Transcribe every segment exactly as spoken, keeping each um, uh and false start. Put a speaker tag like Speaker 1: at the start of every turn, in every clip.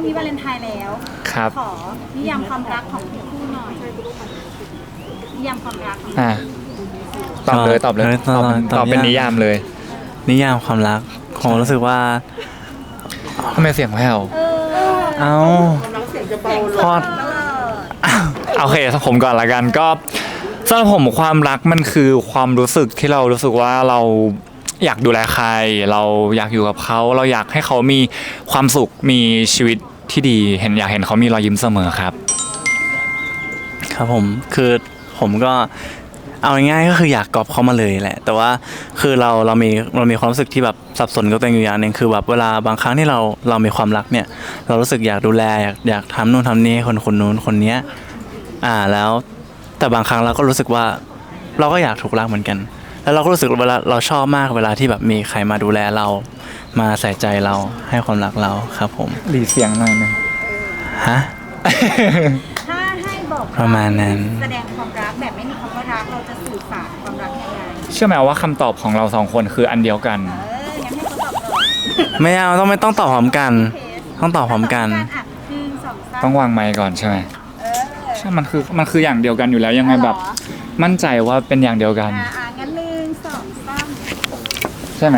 Speaker 1: นี้วาเลนไทน์แล้ว
Speaker 2: ครับ
Speaker 1: ขอนิยามความรักของคู่หน่อยนิยามความรักของ
Speaker 2: อ่ะตอบเลยตอบเลยตอบตอบเป็นนิยามเลย
Speaker 3: นิยามความรักผมรู้สึกว่า
Speaker 2: ทำไมเสียงแผ่ว
Speaker 1: เออ
Speaker 3: เอ้าพอด
Speaker 2: โอเคผมก่อนละกันก็สำหรับผมความรักมันคือความรู้สึกที่เรารู้สึกว่าเราอยากดูแลใครเราอยากอยู่กับเขาเราอยากให้เขามีความสุขมีชีวิตที่ดีเห็นอยากเห็นเขามีรอยยิ้มเสมอครับ
Speaker 3: ครับผมคือผมก็เอาง่ายๆก็คืออยากกอบเขามาเลยแหละแต่ว่าคือเราเรามีเรามีความรู้สึกที่แบบสับสนกับตัวเองอยู่อย่างหนึ่งคือแบบเวลาบางครั้งที่เราเรามีความรักเนี่ยเรารู้สึกอยากดูแลอยากอยากทำนู่นทำนี่คนคนนู้นคนเนี้ยอ่าแล้วแต่บางครั้งเราก็รู้สึกว่าเราก็อยากถูกรักเหมือนกันแล้วเราก็รู้สึกเวลาเราชอบมากเวลาที่แบบมีใครมาดูแลเรามาใส่ใจเราให้ความรักเราครับผม
Speaker 2: หลีเสียงหน่อยนึง
Speaker 3: ฮะ
Speaker 1: ถ้าให้บอก
Speaker 3: ประมาณนั้น
Speaker 1: แสดงความรักแบบไม่มีคำว่ารักเราจะสื่อสารความรักยังไง
Speaker 2: เชื่อไหมว่าคำตอบของเราสองคนคืออันเดียวกัน
Speaker 1: เอองั้นให้เขาตอบก่อน
Speaker 3: ไม่เอาต้องไม่ต้องตอบพร้อมกันต้องตอบพร้อมกัน
Speaker 1: อ่ะหนึ่งสองสาม
Speaker 2: ต้องวางไมค์ก่อนใช่ไหม
Speaker 1: เออ
Speaker 2: ใช่มันคือมันคืออย่างเดียวกันอยู่แล้วยังไงแบบมั่นใจว่าเป็นอย่างเดียวกัน
Speaker 1: อ่ะอ่ะงั้นหนึ่งสองสาม
Speaker 2: ใช่ไหม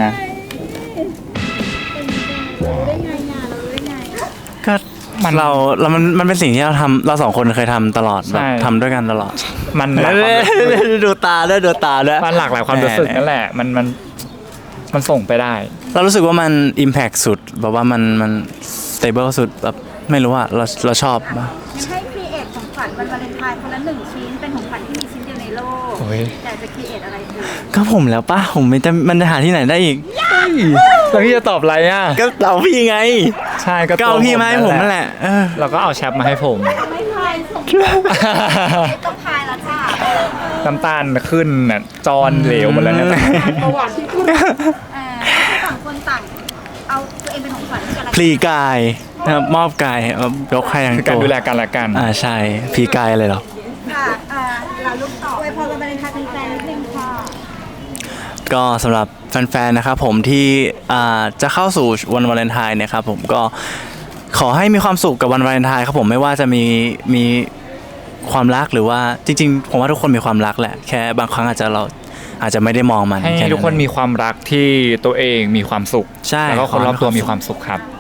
Speaker 1: เรารู้ได้ไงอ่ะเรารู้ได้ไง
Speaker 3: ก็มันเราเรามันมันเป็นสิ่งที่เราทำเราสองคนเคยทำตลอดแบบทำด้วยกันตลอด
Speaker 2: มันหลากหลาย
Speaker 3: ดูตาด้วยดูตาด้วย
Speaker 2: มันหลากหลายความรู้สึกนั่นแหละมันมันมันส่งไปได้
Speaker 3: เรารู้สึกว่ามัน impact สุดแบบว่ามันมัน stable สุดแบบไม่รู้ว่าเราเราชอบ
Speaker 1: งั้นให้ครีเอทของขวัญวันวาเลนไทน์คนละหนึ่งชิ้นเป็นของขวัญที่มีชิ้นเดียวในโลกอยากจะครีเอทอะไรดี
Speaker 3: ก็ผมแล้วป่ะผมไม่จะมันจะหาที่ไหนได้อีก
Speaker 2: แล้วพี่จะตอบอะไรอ่ะ
Speaker 3: ก็เอาพี่ไง
Speaker 2: ใช่ก็
Speaker 3: เอาพี่มาให้ผมนั่นแหละ
Speaker 2: เราก็เอาแชปมาให้ผม
Speaker 1: ไม่พายส่งต้องพายแล้วจ้า
Speaker 2: น้ำตาลขึ้นน่ะจอนเหลวหมดแล้วเนี่ย
Speaker 1: ประวัติที่ขึ้นต่างคนต่างเอาตัวเองเป็นของขวัญกันละ
Speaker 3: พลีกายนะครับมอบกายยกให้ทั้งตัว
Speaker 2: การดูแลกันละกัน
Speaker 3: อ่าใช่พลีกายเลยเหรอ
Speaker 1: ค่ะอ่าเราลุกต่อไว้พอวันวาเลนไทน์เป็นแฟนนิดนึงค่ะ
Speaker 3: ก็สำหรับแฟนๆนะครับผมที่จะเข้าสู่วันวาเลนไทน์นะครับผมก็ขอให้มีความสุขกับวันวาเลนไทน์ครับผมไม่ว่าจะมีมีความรักหรือว่าจริงๆผมว่าทุกคนมีความรักแหละแค่บางครั้งอาจจะเราอาจจะไม่ได้มองมัน
Speaker 2: ให้ทุกคนมีความรักที่ตัวเองมีความสุข
Speaker 3: ใช่
Speaker 2: แล้วก็คนรอบตัวมีความสุขครับ